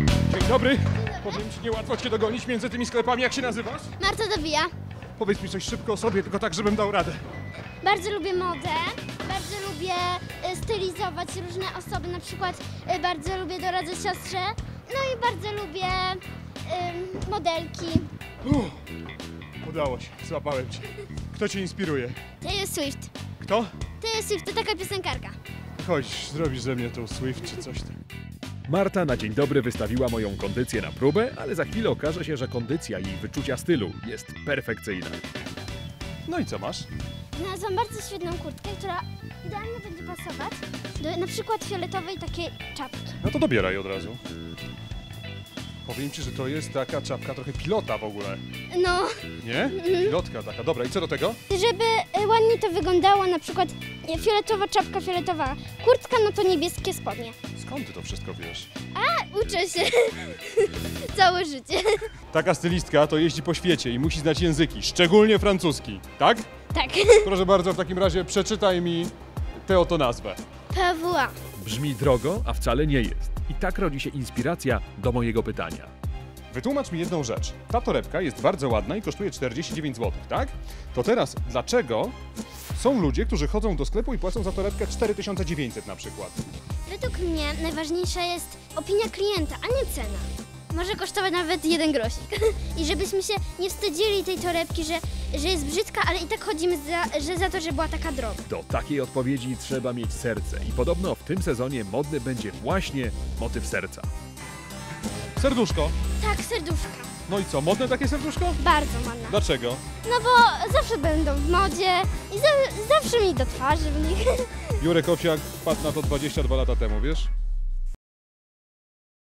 Dzień dobry. Powiem ci, niełatwo cię dogonić między tymi sklepami. Jak się nazywasz? Marta Dowija. Powiedz mi coś szybko o sobie, tylko tak, żebym dał radę. Bardzo lubię modę, bardzo lubię stylizować różne osoby, na przykład bardzo lubię doradzać siostrze, no i bardzo lubię modelki. Udało się, złapałem cię. Kto cię inspiruje? Taylor Swift. Kto? Taylor Swift to taka piosenkarka. Chodź, zrobisz ze mnie tą Swift czy coś tam. Marta na dzień dobry wystawiła moją kondycję na próbę, ale za chwilę okaże się, że kondycja i wyczucia stylu jest perfekcyjna. No i co masz? Znalazłam bardzo świetną kurtkę, która idealnie będzie pasować do na przykład fioletowej takiej czapki. No to dobieraj od razu. Powiem ci, że to jest taka czapka trochę pilota w ogóle. No, Nie? Pilotka taka. Dobra, i co do tego? żeby ładnie to wyglądało, na przykład fioletowa czapka, fioletowa kurtka, no to niebieskie spodnie. Skąd ty to wszystko wiesz? Uczę się całe życie. Taka stylistka to jeździ po świecie i musi znać języki, szczególnie francuski, tak? Tak. Proszę bardzo, w takim razie przeczytaj mi tę oto nazwę. PWA. Brzmi drogo, a wcale nie jest. I tak rodzi się inspiracja do mojego pytania. Wytłumacz mi jedną rzecz. Ta torebka jest bardzo ładna i kosztuje 49 zł, tak? To teraz, dlaczego są ludzie, którzy chodzą do sklepu i płacą za torebkę 4900 na przykład? Według mnie najważniejsza jest opinia klienta, a nie cena. Może kosztować nawet 1 grosik. I żebyśmy się nie wstydzili tej torebki, że jest brzydka, ale i tak chodzimy za to, że była taka droga. Do takiej odpowiedzi trzeba mieć serce i podobno w tym sezonie modny będzie właśnie motyw serca. Serduszko. Tak, serduszka. No i co, modne takie serduszko? Bardzo ładna. Dlaczego? No bo zawsze będą w modzie i zawsze mi do twarzy w nich. Jurek Owsiak wpadł na to 22 lata temu, wiesz?